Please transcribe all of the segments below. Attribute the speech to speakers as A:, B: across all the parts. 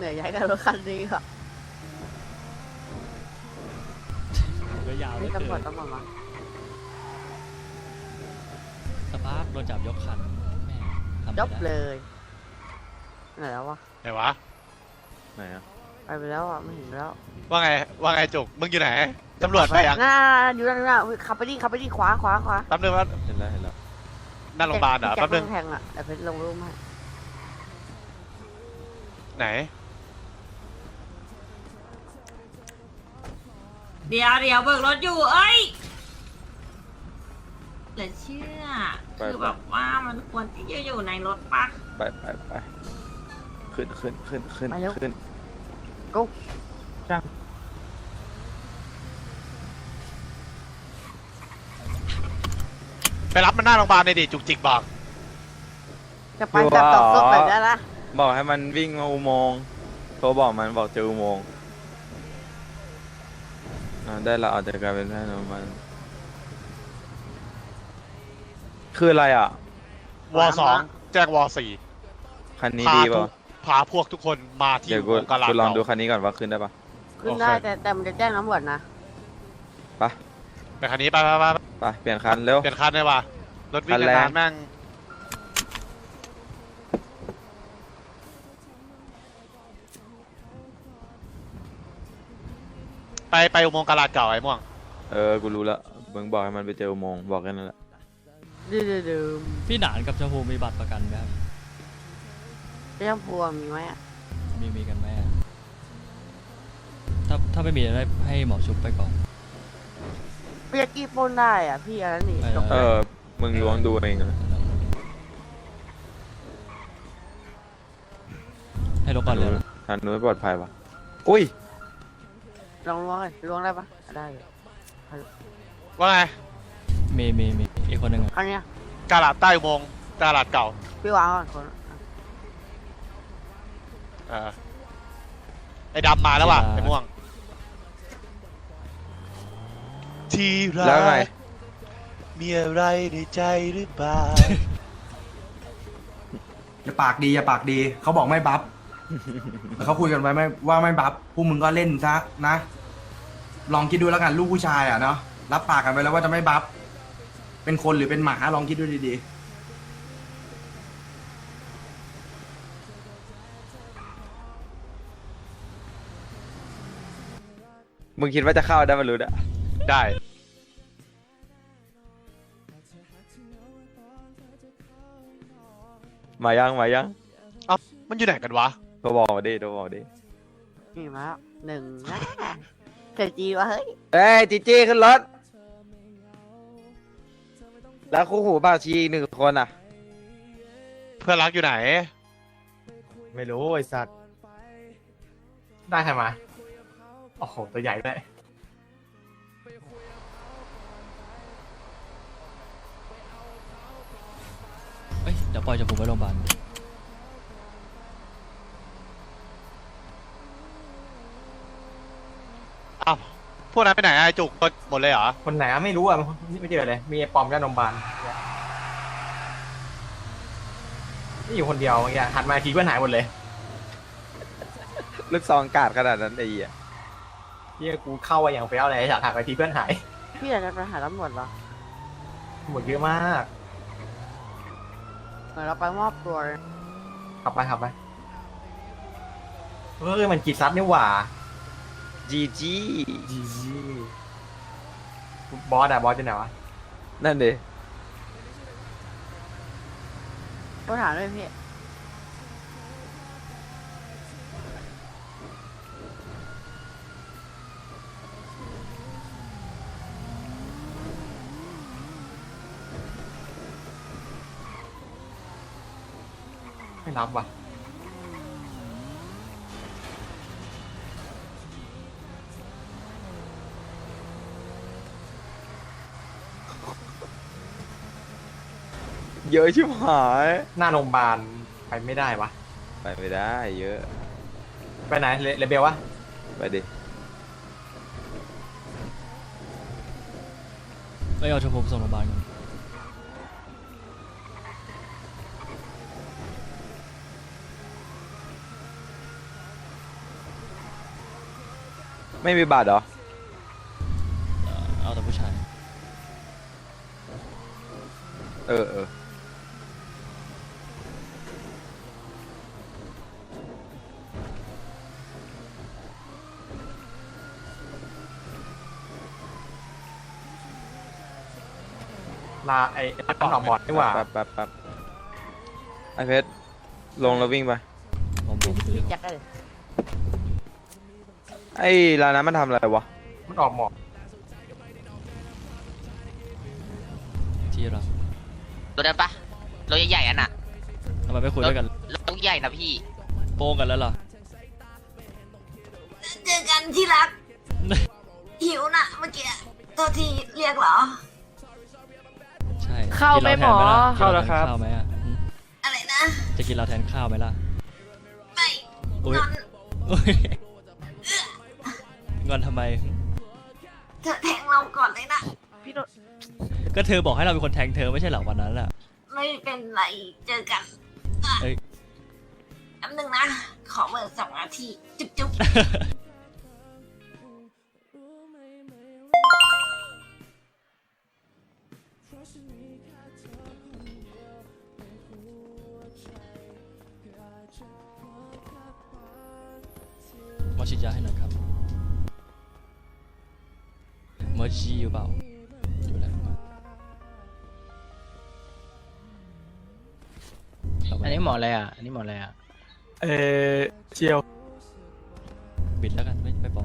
A: เหนื่อยย้ายกันรถคันนี้ค่ะ
B: ก็ยาวเหล
A: นี่
B: ย
A: ตำรวจต้องมา
B: สภาพโดนจับยกคันแม่ทำ
A: จ
B: ไม่
A: บ
B: ได้
A: เลยไหนแล้ววะ
C: ไหนวะ
D: ไหนอะ
A: ไปแล้วอ่ะไม่เห็นแล้ว
C: ว่าไงจุกมึงอยู่ไหนตำรวจไปยัง
A: หน้าอยู่ด้านหน้าขับไปดิขวาขวา
C: แป๊บนึงว่า
D: เห็นแล้วเห็นแล้ว
C: หน้าโรงพยาบาลเหรอ
A: แจ็ค
C: แป๊บนึง
A: แทงอ่ะแต่เพชรลงรูปให้
C: ไหน
E: เดี๋ยวเบิกรถอยู่ เอ้ยเหลือเชื่อ คือแบบว่ามันควรที่จะอยู่ในรถปะ
D: ไปขึ้น
A: ไปเร็ว
D: ขึ้น
A: กู
C: ไปรับมันหน้าโรงพยาบาลเลยดิจุกจิกบอก
A: จะไปแบบตกซกแบบนี้ละ
D: บอกให้มันวิ่งมาอุโมงค์โทรบอกมันบอกเจออุโมงค์ได้ละอาจจะกลายเป็นแค่นั้นมันคืออะไรอ่ะ
C: วอสองแจ้งวอสี่
D: คันนี้ดีป่ะ
C: พาพวกทุกคนมาที่
D: เดี๋ยวกู
C: กาลาด
D: กูลอง
C: เก่า
D: ดูคันนี้ก่อนว่าขึ้นได้ปะ
A: ขึ้นได้แต่มันจะแจ้งตำรวจนะ
D: ไป
C: ไปคันนี้ไป
D: ไปเปลี่ยนคันเร็ว
C: เปลี่ยนคันเลยว่ะรถวิ่ง
D: คันแรง
C: นานๆแม่งไปอุโมงค์กาลาดเก่าไอ้ม่วง
D: กูรู้แล้วมึงบอกให้มันไปเจออุโมงค์บอกแค่นั้นแหละ
A: ดืม
B: พี่หนานกับชมพูมีบัตรประกันไหมครับ
A: เรื่องพวงมีไหมอ่ะ
B: มีกันไหมอะถ้าไม่มีจะได้ให้หมอชุบไปก่อน
A: พี่จะกี้ปล้นได้อ่ะพี่อะไรนี่จบ
D: มึงล้วงดูเองนะ
B: ให้รถก่อนเลยนะ
D: ทันนู้นปลอดภัยปะอุ้ย
A: ลองล้วงได้ปะได้เลย
C: ว่าไง
B: มีอีกคนหนึ่งอะ
A: ครั้งเนี้ย
C: กาลาดใต้อุโมงค์กาลาดเก่า
A: พี่วางก่อนคน
C: ไอ้ดำมาแล้วว่ะไอ้ม่วงที่รั
D: แล้วไง
C: กมีอะไรในใจหรือเปล่า
F: อย่าปากดีเขาบอกไม่บัฟ แต่เขาคุยกันไว้ไม่ว่าไม่บัฟพวกมึงก็เล่นซะนะ ลองคิดดูแล้วกันลูกผู้ชายอ่ะเนาะรับปากกันไปแล้วว่าจะไม่บัฟเป็นคนหรือเป็นหมาลองคิดดูดี
D: มึงคิดว่าจะเข้าได้มารู้อะ
C: ได้
D: มายัง
C: มันอยู่ไหนกันวะ
D: โทรบอกมาดิ
A: นี่มาแล้วหนึ่งนะเธอจีวะเฮ้ย
D: เอ้ยจีจี้ขึ้นรถ แล้วคู่หูบ่าวชีอีกหนึ่งคนอ่ะ
C: เพื่อนรักอยู่ไหน
G: ไม่รู้ไอ้สัตว์ ได้ใครมา โอ้โห ตัวใหญ่ด้วย
B: เอ้ยเดี๋ยวปล่อยชมพูไว้โรงพยาบาล
C: อ้าว พวกนั้นไปไหนอะไอ้จุกหมดเลยเหรอ
G: คนไหนอะไม่รู้อ่ะไม่เจอเลย มีไอ้ปอมย่านมบาลนี่อยู่คนเดียวเมื่อกี้หันมาอีกทีเพื่อนหายหมดเลย
D: ลูกซองกาดขนาดนั้นไอ้เหี้ย
G: ที่กูเข้าไปอย่างเฟี้ยวเลยอยากหันไปทีเพื่อนหาย
A: พี่อยากจะไปหาตำรวจเหรอ
G: หมดเยอะมาก
A: เหมือนเราไปมอบตัวเลย
G: ขับไปมันกีซัดนี่หว่า
D: จีจี
G: จีบอสอยู่ไหนวะ
D: นั่นดิ
A: ต้องถามด้วยพี่
G: ไม่รับว่ะ
D: เยอะชิบหาย
G: หน้าโรงพยาบาลไปไม่ได้วะ
D: ไปไม่ได้เยอะ
G: ไปไหนเลเบลวะ
D: ไปดิ
B: ไปเอาชมพูส่งโรงพยาบาลก่อน
D: ไม่มีบัตรเหรอ
B: เอาแต่ผู้ชาย
D: เออ
G: ลาไอ้ต้องออกบอร์ดดีกว่า
D: แป๊บไอเพชรลงแล้ววิ่งไป
B: ผม
A: พี่แจ็คเลย
D: ไอ้ร้านนั้นมันทำอะไรวะ
G: มันออกหมอก
B: ที่เรา
H: รถได้ปะรถใหญ่ๆอันน่ะ
B: ทำไมไม่คุยด้วยกัน
H: รถใหญ่นะพี่
B: โป้งกันแล้วเหรอ
E: เจอกันที่รัก หิวน่ะเมื่อกี้ตัวทีเรียกเหรอ
B: ใช่
I: เข้าไหมหมอ
B: เข้าแล้วครับข้าวไหมอ่ะ
E: อะไรนะ
B: จะกินเราแทนข้าวไหมล่ะ
E: ไม่
B: อุ๊ย
E: นอน
B: อุ๊ยงอนทำไม
E: เธอแทงเราก่อนเลยนะ
I: พี่โดน
B: ก็เธอบอกให้เราเป็นคนแทงเธอไม่ใช่เหรอวันนั้นอ่ะ
E: ไม่เป็นไรเจอกัน
B: เอ้ย
E: แป๊บนึงนะ ขอเมื่อ2 นาทีจุ๊บจุ๊บ
B: หมอฉีดยาให้หน่อยครับหมอจีอยู่เปล่าอยู่แล้วครับ
J: อันนี้หมออะไรอ่ะ อันนี้หมออะไรอ่ะ
G: เชียว
B: บิดแล้วกันไม่บอก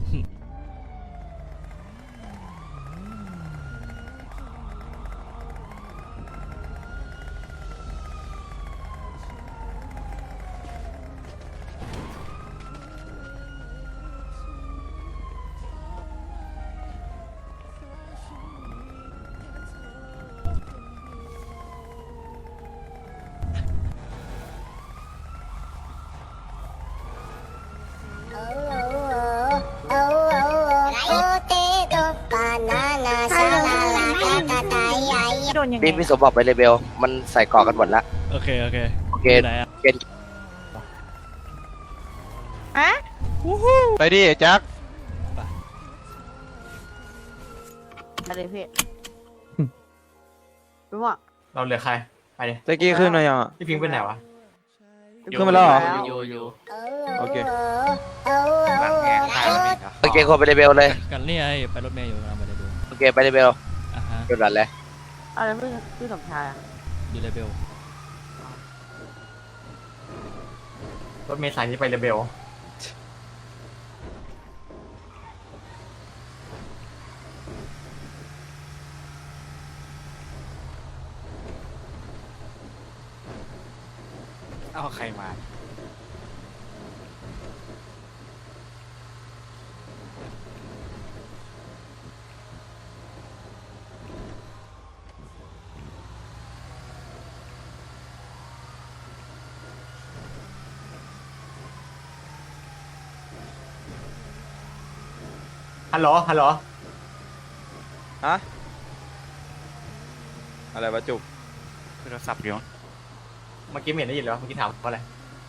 I: พี่โดนยังไง
J: พี่สมบอกไปเลยเบล มันใส่เกาะกันหมดละ
B: โอเค
J: โอเค
B: อยู่ไหนอ่ะ
I: อะ
C: ไปดิแจ็ค
A: อะไรพี่รู้ว่า
G: เราเหลือใคร ไปเลย
D: แจ็คกี้ขึ้นมายังอ่ะ
G: พี่พิงค์เป็นไหนวะ
D: ขึ้นมาแล้วเหรอ
H: อยู่
D: โอเค
J: โอเคคนไปเลยเบลเลย
B: กันนี่ไงไปรถเมย์อยู่กำลังไปเลยดู
J: โอเคไปเลยเบล
B: อ่ะฮะ
J: หยุดหลันเลย
A: อะไรพี่สมชายอะ
B: อยู่เลเบล
G: รถเมล์สายนี้ไปเรเบล
C: เอาใครมา
G: ฮัลโหล ฮัลโหล
D: ฮะ อะไรวะจุก
C: โทรศัพท์อยู่
G: เมื่อกี้ไม่เห็นได้ยินเลยวะเมื่อกี้ถามว่าอะไร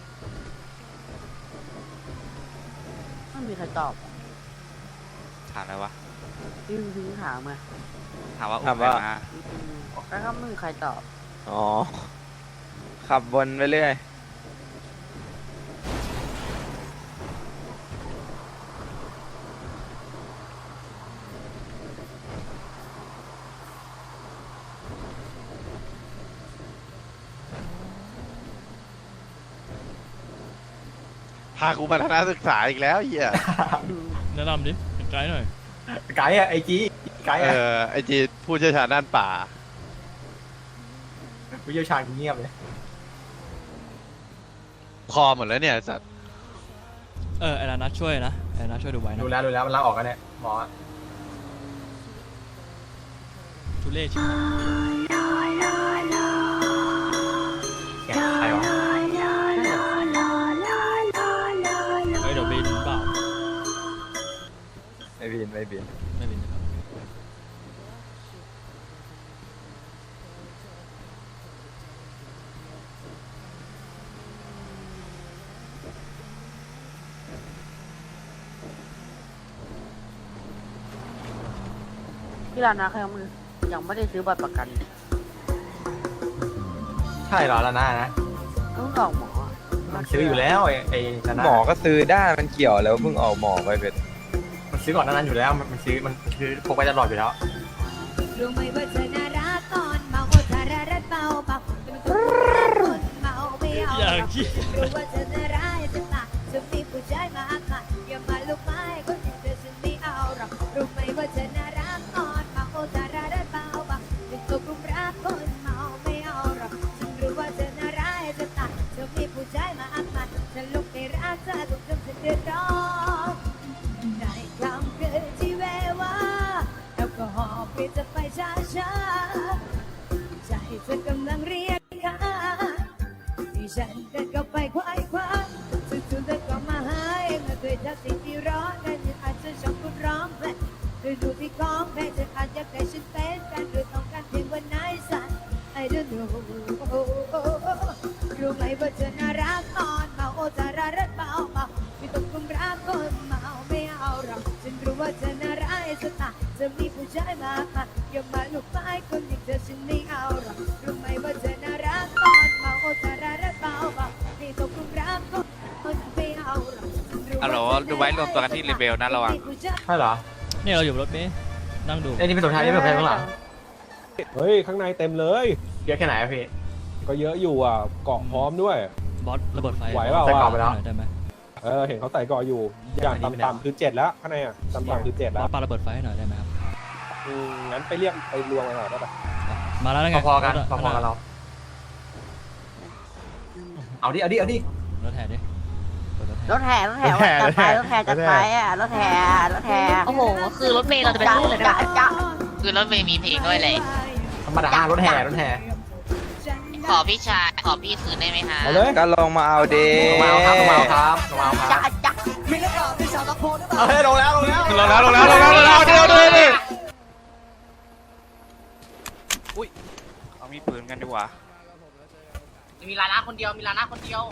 A: ไม่มีใครตอบ
C: ถามอะไรวะ
A: พี่พิงถามไง
C: ถามว่า
D: ถามว่า
A: แล้วก็ไม่มีใครตอบ
D: อ๋อ ขับวนไปเรื่อย
C: พากูมาทัศนศึกษาอีกแล้วเฮีย
B: แนะนำดิไกด์หน่อย
G: ไกด์อะไอจีไกด์อะ
C: ไอจีผู้เชี่ยวชาญด้านป่า
G: ผู้เชี่ยวชาญกูเงียบเลย
C: คอหมดแล้วเนี่ยสัตว์
B: ไอ้นัทช่วยนะไอ้นัทช่วยดูไว้นะ
G: ดูแล้วมันลาออกกันเนี่ยหมอ
B: ทุเรศชิบหาย
G: แกใครวะ
B: เฮ้ยเดี๋ยวบินเปล่า
D: ไม่บิน
B: ไม่บินนะครับ
A: ที่ร้านนะเขายังไม่ได้ซื้อบัตรประกัน
G: ใช่เหรอแล้วนะ
A: เพิ่งออกหมอ
G: มันซื้ออยู่แล้วไอ้ชนะ
D: หมอก็ซื้อได้มันเกี่ยวแล้วเพิ่งออกหมอไปเป็น
G: มันซื้อก่อนหนานั้นอยู่แล้วมันซื้อมันคือพกไปตลอดอยู่แล้ว
I: รู้ไหมว่าเธอน่ารักตอนเมาโอ้ทารารัดเบาเบาเป็นคนเมาไม่เอา
B: อย่างที่
I: รู้ว่าเธอน่ารักจะตายจะมีผู้ชายมาค่ะอย่ามาลุกไม้คนที่เธอฉันไม่เอาหรอกรู้ไหมว่าเธอน่ารักตอนเมาโอ้ทารารัดเบาเบาเป็นตัวกลุ่มรักคนเมาไม่เอาหรอกฉันรู้ว่าเธอน่ารักจะตายจะมีผู้ชายมาค่ะฉันลุกไปรักเธอทุกคำฉันเดือดร้อนในคำคืนที่แววว่าแอลกอฮอล์เปลี่ยนจะไปช้าๆใจเธอกำลังเรียกหาที่ฉันเดินเข้าไปควายคว้าสุดๆเธอก็มาหาเองมาด้วยทักสิ่งที่ร้อนกันยังอาจจะชอบคุณร้องเพลงโดยดูที่ของแพ้เธออาจอยากให้ฉันเป็นกันหรือต้องการเพียงวันไหนสั่น I don't know รู้ไหมว่าเธอน่ารักตอนเมาโอ้จารารัดเบาเบาไม่ต้องกุมรักคนเมาไม่เอาหรอกฉันรู้ว่าเธอน่ารักสตาจะมีผู้ชายมากมายอย่ามาลุกไม้คนอย่างเธอฉันไม่เอาหรอกรู้ไหมว่าเธอน่ารักตอนเมาโอ้จารารัดเบาเบาไม่ต้องกุมรักคนไม่เอาหรอก
H: ฮัลโหลดูไว้รวมตัวกันที่เลเวลนะระวัง
G: ใช่เหรอ
B: เนี่ยเราอยู่บนรถเมล์นั่งดู
G: ไอ้นี่เป็นตัวท้ายนี่เป็นตัวท้ายข้างหลัง
K: เฮ้ย ข้างในเต็มเลย
G: เยอะแค่ไหนอะพี่
K: ก็เยอะอยู่อ่ะ เกาะพร้อมด้วย
B: บอสระเบิดไฟ
K: ไหวเปล่า
G: ใส่กรอบ
K: วะ
G: ไปแล้ว
B: หน่อยได้ไหม
K: เห็นเขาใส่เกาะอยู่ อย่างต่ำๆคือ7แล้ว ข้างในอ่ะ ต่ำๆคือ7
B: บ
K: แล้
B: อ
K: ว
B: สปาระเบิดไฟให้หน่อยได้ไหมครับ
K: งั้นไปเรียกไปรวมกันหน่อยได้ปะ
B: มาแล้วไง
G: พอๆกัน
B: รถ
G: พอๆกันเรา เอาดิ
B: รถแห่ดิเปิดรถแห่
A: รถแห่จัดไปรถแห่จัดไปอ่ะรถแห่
H: โอ้โห คือรถเมล์เราจะเป็นรูปเลย
A: จ้าจ้า
H: คือรถเมล์มีเพลงด้วยเลย
G: ธรรมดารถแห่
H: ขอพี่ชาย ขอพี่คืนได้ไหมฮะ
K: เอาเลย
D: ก็ลงมาเอาเด
G: ลงมาเอาครับลงมาเอาครับลงมาเอาค
A: จ้า
G: รับ
A: จ้า
G: เฮ้ยลงแล้วเดี๋ยว
D: เอามีปืนกันดีกว่า
H: มีลานะคนเดียว มีลานะคนเดียว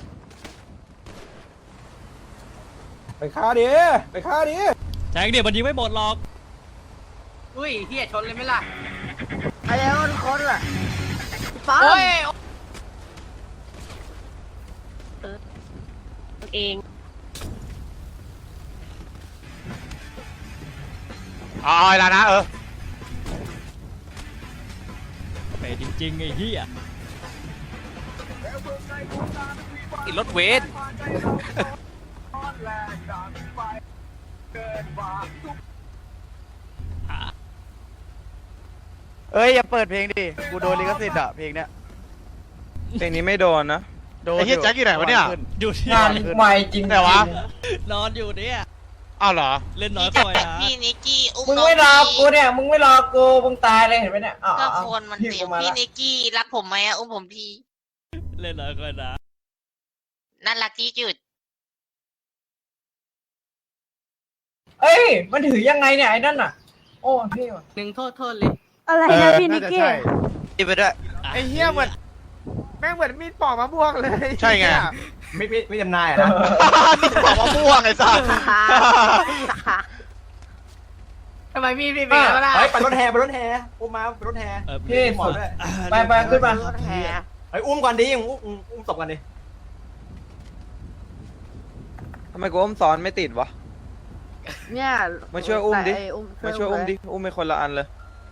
K: ไปฆ่าดิไปฆ่าดิ
B: แทงเดี๋ยวมันยิงไม่หมดหรอก
H: อุ้ยเฮียชนเลยไหมล่ะ
A: ไอ้เล้วทุกคนล่ะฟัง
H: โอ้ย
I: เอง
C: อ๋อแล้วนะ
B: ไปจริงๆไอ้เหี้ย
H: รถเวท
C: เอ้ยอย่าเปิดเพลงดิกูโดนลิขสิทธิ์อ่ะเพลงเนี้ย
D: เพลงนี้ไม่โดนนะ
C: โดนไอ้เหี้ยแจ็คอยู่ไหนวะเนี่ย
B: อยู่ที่
G: งานใหม่จริง
C: แต่วะ
B: นอนอยู่เนี่ย
C: อ้าวเหรอ
B: เล่นน้อย
H: พี่
B: คอยนะ
H: พี่นิกกี้อุ้ม
G: มึง
H: น้อง
G: ไม่รอ
H: พี่
G: กูเนี่ย มึงไม่รอกู มึงตายเลยเห็นไหมเนี่ย
H: ก็ควรมันเสียงพี่นิกกี้รักผมไหมอะอุ้มผมที
B: เล่นน้อยคอยนะ
H: น่ารักที่จุด
G: เอ้ย มันถือยังไงเนี่ยไอ้นั่นอ่ะ โอ้พี่ว่ะ
H: หนึ่งโทษเลย
A: อะไรนะพี่นิกกี้
D: ไปด้วย
C: ไอ้เหี้ยเหมือนแม่งเหมือนมีดปอกมะม่วงเลย ใช่ไง
G: ไม่จำนายอ่ะนะ
C: มีดปอกมะม่วงไอ้สัส
H: ทำไมพี่เป็นอะไรล่ะ
G: เฮ้ยไปรถแห่อุ้มมาไปรถแห่ พี่หมดด้วย ไปขึ้นมา
A: รถแห่
G: เฮ้ยอุ้มก่อนดิอุ้มศพกันดิ
D: ทำไมกูอุ้มซ้อนไม่ติดวะ
A: เนี่ย
D: มาช่วยอุ้มดิ
A: ใส่
D: มาช่วยอุ้มดิ อุ้มไปคนละอันเลย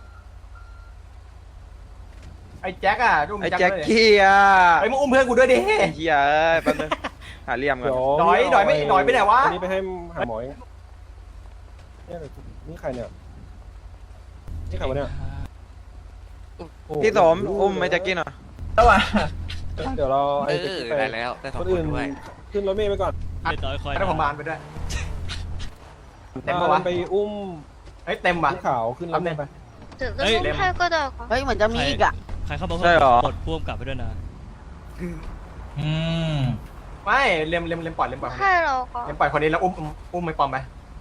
G: ไอ้แจ็คอ่ะอุ้ม
D: ไอ้
G: แจ็
D: แจ็
G: ค
D: ค
G: ด้วย
D: กี้อ่ะ
G: ไอ้มึงอุ้มเพื่อนกูด้วยดิ
D: ไอ้เหี้ยเอ้ยแป๊บนึงหาเหลี่ยมก่อน
K: เดี๋ยว
G: หน่อยไปไหนวะ
K: อันนี้ไปให้หาหมอเองเนี่ยนี่ใครเนี่ย นี่ใครวะเนี่ย
D: พี่สมอุ้มไอ้แจ็คกี้หน่อย
G: แล้วอ่ะ
K: เดี๋ยวเราไอ้แจ็คกี้ไป
H: ได้แล้วได้สอง
K: คน
H: ค
K: อื่
H: น
K: น
H: ด้วย
K: ขึ้นรถเมล์ไปก่อน
B: เล่นน้อยคอย
G: ให้ผมบานไปด้วย เต็มปะวะ
K: มันไปอุ้ม
G: เฮ้ยเต็มว่ะ
K: ขึ้นขาวขึ้นรถเมล์ไป
B: เฮ้ย
A: เฮ้ยเหมือนจะมีอีกอ่ะ
B: ใครเข้ามา
D: ใช่เหรอ
B: กดพ่วงกลับไปด้วยนะ
G: ไม่เล็มปล่อยเล็มปล่อยใช่หรอเล็มปล่อยคนนี้แล้วอุ้มไม่ปลอมไป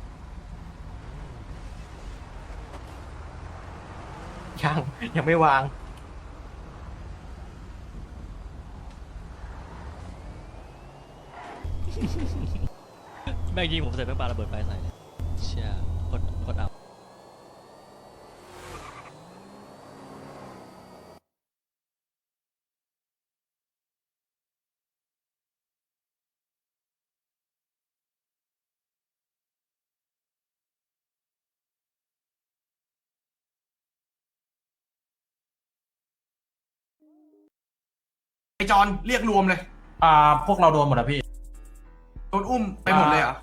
G: ยังไม่วาง
B: แม่งยิงผมเสร็จแม่งปาระเบิดไฟใส่เลยเชี่ยโคตรเอา
F: ไอจอนเรียกรวมเลย
G: พวกเราโดนหมดแล้วพี่
F: โดนอุ้มไปหมดเลยเหรอ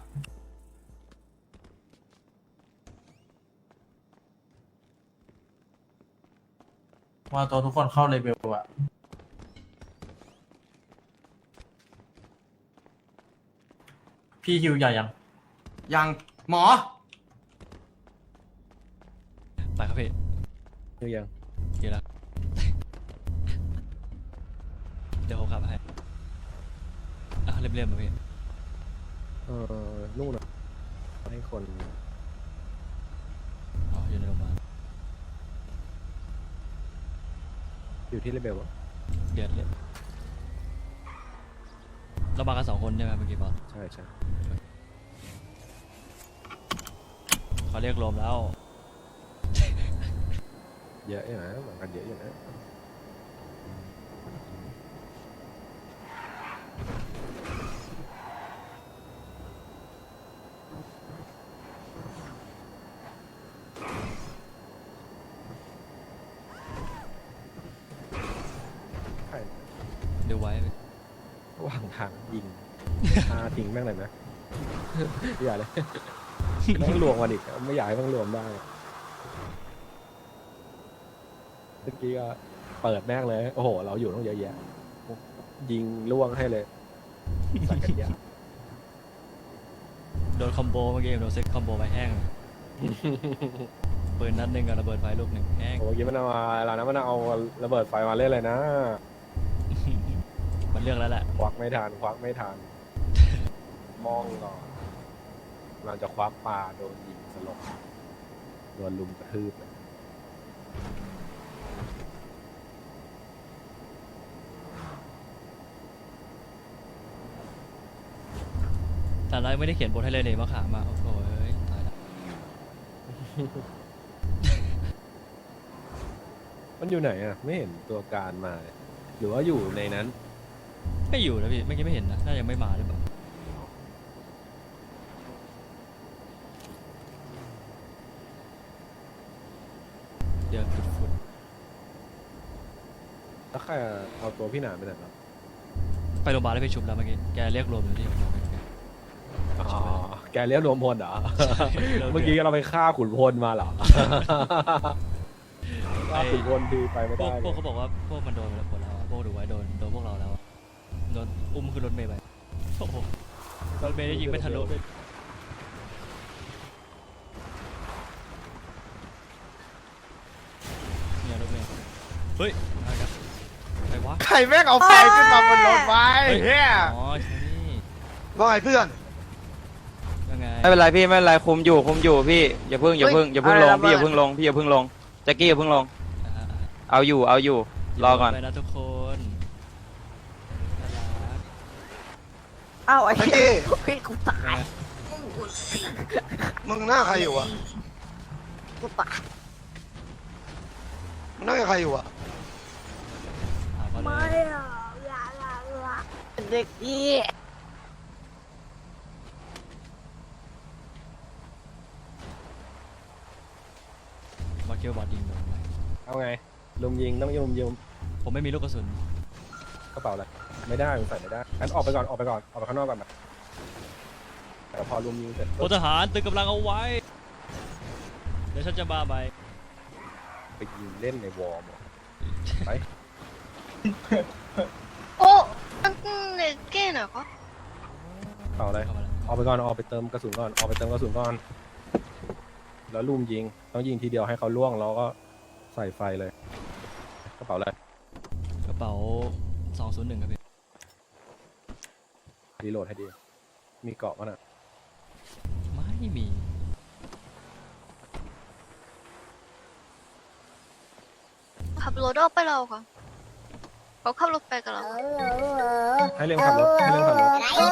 G: ว่าตัวทุกคนเข้าเลเวลอะพี่ฮิวใหญ่ยัง
F: ยังหมอ
B: ไปครับพี่
K: คือยัง
B: เกี่ยวแล้ว เดี๋ยวผมขับให้เรียบๆมาพี่
K: นู่นนะให้คน
B: อ๋ออยู่ในโรงพยาบาล
K: อยู่ที่เลเบล
B: เดือดเลยเรามากัน2 คนใช่ไหมเมื่อกี้บอส
K: ใช่ใช่
B: เขาเรียกรวมแล้ว
K: เยอะอยู่นะเหมือนกันเยอะอยู่นะใคร
B: เดี๋ยวไว้พี่
K: ระหว่างทางยิง ทิ้งแม่งเลยนะอย่าเลยแม่งรวมกันอีกไม่อยากให้แม่งรวมได้เมื่อกี้ก็เปิดแม่งเลยโอ้โหเราอยู่ต้องเยอะแยะยิงล่วงให้เลยสักกันยา
B: โดนคอมโบเมื่อกี้โดนเซ็ตคอมโบไปแห้งเลยปืนนัดหนึ่งกับระเบิดไฟลูกหนึ่งแห้ง
K: โอ้เมื่อกี้มันเอาเรานะมันเอาระเบิดไฟมาเล่นเลยนะ
B: มันเลือกแล้วแหละ
K: ควักไม่ทันควักไม่ทัน มองก่อนเราจะควักปลาโดนยิงสลบโดนลุมกระทืบเลย
B: แต่เราไม่ได้เขียนบทให้เลยมะขามมาโอ้โหตายละ
K: มันอยู่ไหนอ่ะ ไม่เห็นตัวการมาเลยหรือว่าอยู่ในนั้น
B: ไม่อยู่นะพี่เมื่อกี้ไม่เห็นนะน่ายังไม่มาหรือเปล่าเดี๋ยวฟุด
K: แล้วใครเอาตัวพี่หนามไปไหนครับ
B: ไปโรงพยาบาลแล้วไปชุบแล้วเมื่อกี้แกเรียกรวมอยู่ที่ผมบอกแก
K: อ๋อแกเรียกรวมพลเหรอ เมื่อกี้เราไปฆ่าขุนพลมาเหรอ ฆ่าขุนพลดีไปไม่
B: พว
K: ได้
B: กเขาบอกว่าพวกมันโดนไปแล้วหมดแล้วอะพวกดูไว้โดนพวกเราแล้วอะโดนอุ้มขึ้นรถเมล์ไปโอ้โหรถเมล์ได้ยิงไม่ทะลุด้วยเนี่ยรถเมล์เฮ้ยอะไรครับใครวะ
C: ใครแม่งเอาไฟขึ้นมาบนรถไว้เฮีย
B: อ๋อใช่นี่
C: ว่าไงเพื่อน
B: ยังไง
D: ไม่เป็นไรพี่ไม่เป็นไรคุมอยู่พี่อย่าเพิ่งลงพี่อย่าเพิ่งลงพี่อย่าเพิ่งลงแจ็คกี้อย่าเพิ่งลง
B: อ่า
D: เอาอยู่รอก่อน
B: ไปนะทุกคนน่ารัก
A: อ้าวไอ้
C: ไอ้
A: เหี้
C: เก้
A: ยพี่กูตาย
C: มึงหน้าใครอยู่อะ
A: กูตาย
C: มึงหน้าใครอยู่อะ
B: ถามเขาเล
A: ไม่
B: ย
A: อะเด็กอี
B: มาเกียวบอดยิงโดนไหม
K: เอาไงลุมยิงต้องลุมยิง
B: ผมไม่มีลูกกระสุน
K: กระเป๋าอะไรไม่ได้มึงใส่ไม่ได้งั้นออกไปก่อนออกไปข้างนอกก่อนนะแต่พอลุมยิงเสร็จ
B: พลทหารตึงกำลังเอาไว้ เดี๋ยวฉันจะมาใหม่
K: ไปยิงเล่นในวอร์มไป
H: โอ้ตั้งเล็กแก่หน่อยก็
K: เปล่าอะไร
B: เข้ามาแล้ว
K: ออกไปก่อนออกไปเติมกระสุนก่อนออกไปเติมกระสุนก่อนแล้วลุมยิงต้องยิงทีเดียวให้เขาล่วงแล้วก็ใส่ไฟเลยกระเป๋าอะไร
B: กระเป๋า 201 ครับพี่
K: รีโหลดให้ดีมีเกาะมั้ยน่ะ
B: ไม่มี
H: ขับรถออกไปเราค่ะเขาขับรถไปกับเรา
K: ให้เรื่องขับรถให้เรื่องขับรถ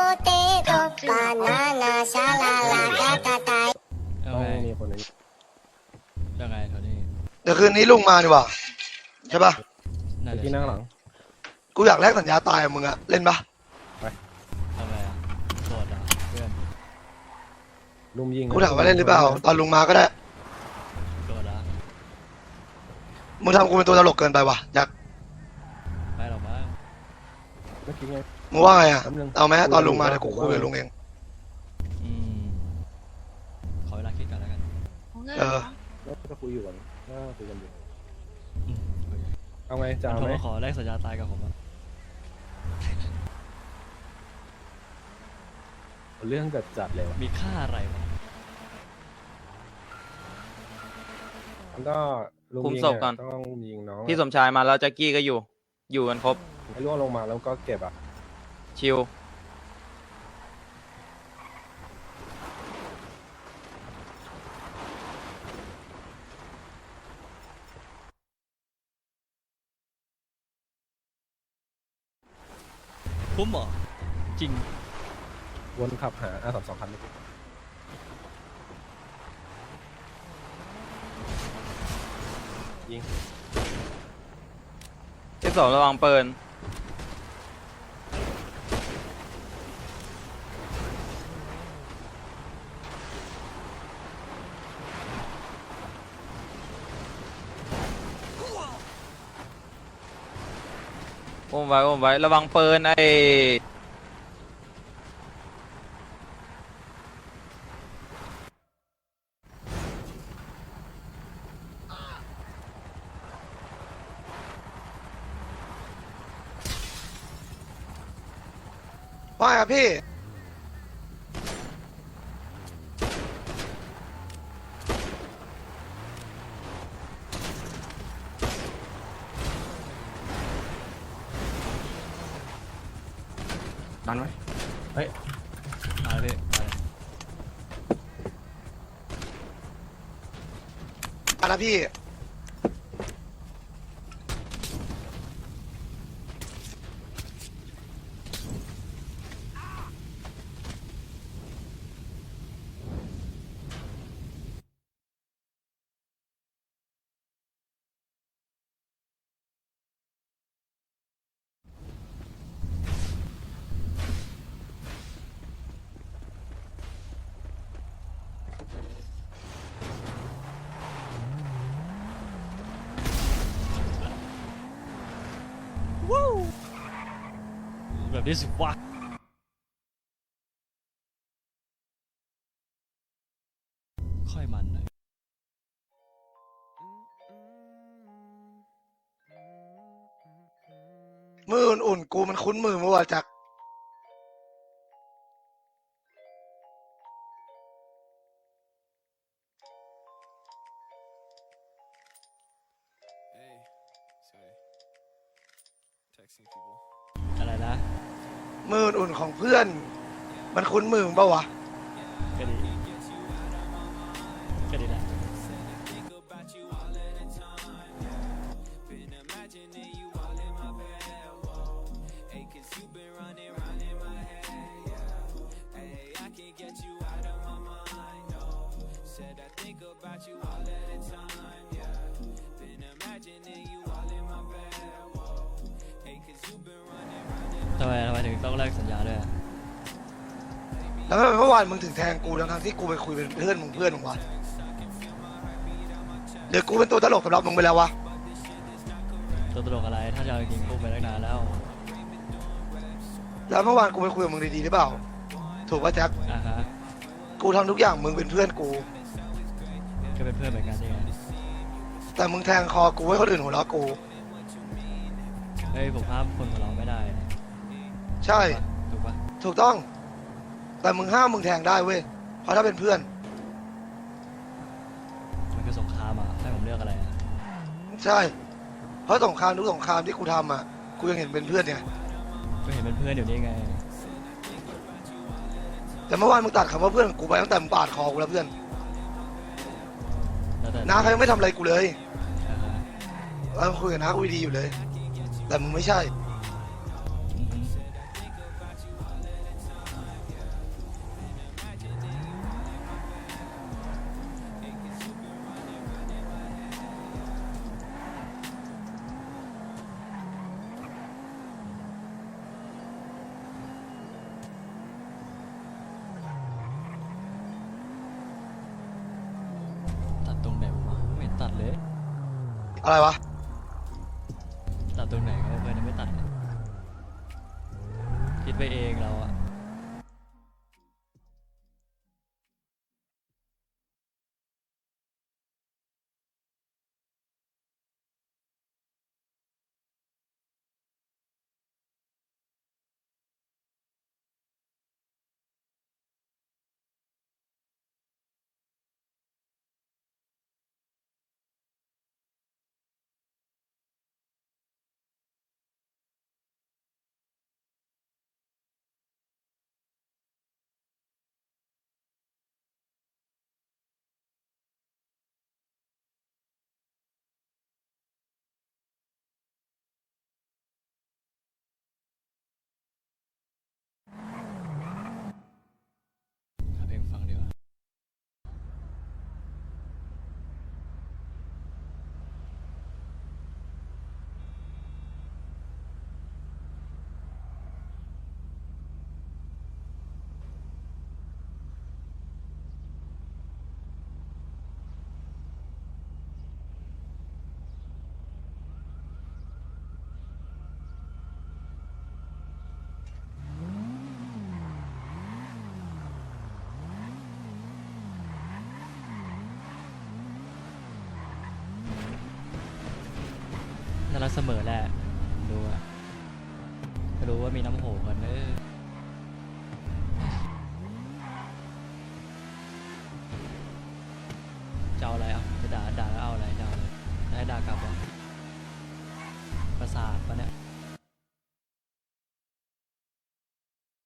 B: เอา
K: ต้อง
B: ไง
K: มีคนนี้
B: ยังไงแถวนี้
C: เดี๋ยวคืนนี้ลุงมาดีกว่าใช่ปะ
B: น่า
K: เมื่อ
B: จะ
K: กี้นั่งหลัง
C: กูอยากแลกสัญญาตายกับมึงอะเล่นปะ
B: เอาไงอ่ะโดดอ่ะเพื่อน
K: ลุมยิง
C: กูถามว่าเล่นหรือเปล่า ตอนลุงมาก็ได้
B: โดดอ่ะ
C: มึงทำกูเป็นตัวตลกเกินไปว่ะอยาก
B: ไม่หรอกมั้ง
K: คิดไง
C: มึงว่าไงอ่ะ
K: แป๊บนึง
C: เอาไหมตอนลุงมาเดี๋ยวกูคุยกับลุงเอง
B: อืมขอเวลาคิดกันแล้วกัน
C: เออ
K: แล้วก็คุยอยู่ก่อนก็คุยกันอยู่
B: อืมโอเค
K: เอาไงจะเอา
B: ผม
K: ไหม
B: ก็ขอแลกสัญญาตายกับผมอะ
K: เรื่องจัดเลยวะ
B: มีค่าอะไรวะ
K: มันก็ลุง
D: คุม
K: ยิง
D: ศพก่อน
K: ต้องยิงน้อง
D: พี่สมชายมาแล้วแจ็คกี้ก็อยู่กันครบ
K: ให้ล่วงลงมาแล้วก็เก็บอ่ะ
D: ชิล
B: คุ้มเหรอจริง
K: วนขับหาR32คันนี้ยิง
D: ที่สองระวังปืนอุ้มไว้ระวังปืนไอ้
C: ว่าไงครับพี่
F: ดันไว้
B: มาเลยพี่มาเลย
C: อันนะพี่
B: แบบนี้สิวะค่อยมันหน่อย
C: มืออุ่นๆกูมันคุ้นมือเมื่อวานจาก
B: อะไรนะ
C: มืออุ่นๆของเพื่อน มันคุ้นมือมึงเปล่าวะ
B: ก็ดีก็ดีนะทำไมถึงต้องแลกสัญญาด้วยอะ
C: แล้วทำไมเมื่อวานมึงถึงแทงกูทั้งๆที่กูไปคุยเป็นเพื่อนมึงวะเดี๋ยวกูเป็นตัวตลกสำหรับมึงไปแล้ววะ
B: ตัวตลกอะไรถ้าจะเอาจริงๆพูดไปตั้งนานแล้ว
C: แล้วเมื่อวานกูไปคุยกับมึงดีๆหรือเปล่า ถูกป่ะแจ็ค
B: อ่าฮะ
C: กูทำทุกอย่างมึงเป็นเพื่อนกู
B: ก็เป็นเพื่อนเหมือนกันนี่ไง
C: แต่มึงแทงคอกูให้คนอื่นหัวเราะกู
B: เฮ้ยผมห้ามคนของเราไม่ได้นะ
C: ใช่
B: ถูกปะ
C: ถูกต้อง แต่มึงห้ามมึงแทงได้เว้ย เพราะถ้าเป็นเพื่อน
B: มันคือสงครามอ่ะให้ผมเลือกอะไรอ่ะ
C: ใช่ เพราะสงครามทุกสงครามที่กูทำอ่ะ กูยังเห็นเป็นเพื่อนเนี่ย
B: ก็เห็นเป็นเพื่อนอยู่นี่ไง
C: แต่เมื่อวานมึงตัดคำว่าเพื่อนของกูไปตั้งแต่มึงปาดคอกูแล้วเพื่อน
B: แล้วแต่
C: น้าเขายังไม่ทำอะไรกูเลย
B: อ่าฮะ
C: เราคุยกับน้ากูดีๆอยู่เลย แต่มึงไม่ใช่
B: อือฮึ ตัดตรงไหนวะไม่เห็นตัดเลย
C: อะไรวะ
B: ตัดตรงไหนก็เพื่อนยังไม่ตัดเลยคิดไปเองเราอะหาเพลงฟังดีกว่าน่ารักเสมอแหละดูอะก็รู้ว่ามีน้ำโหกันจะเอาอะไรอ่ะจะด่าแล้วเอาอะไรจะเอาอะไรจะให้ด่ากลับวะประสาทปะเนี่ย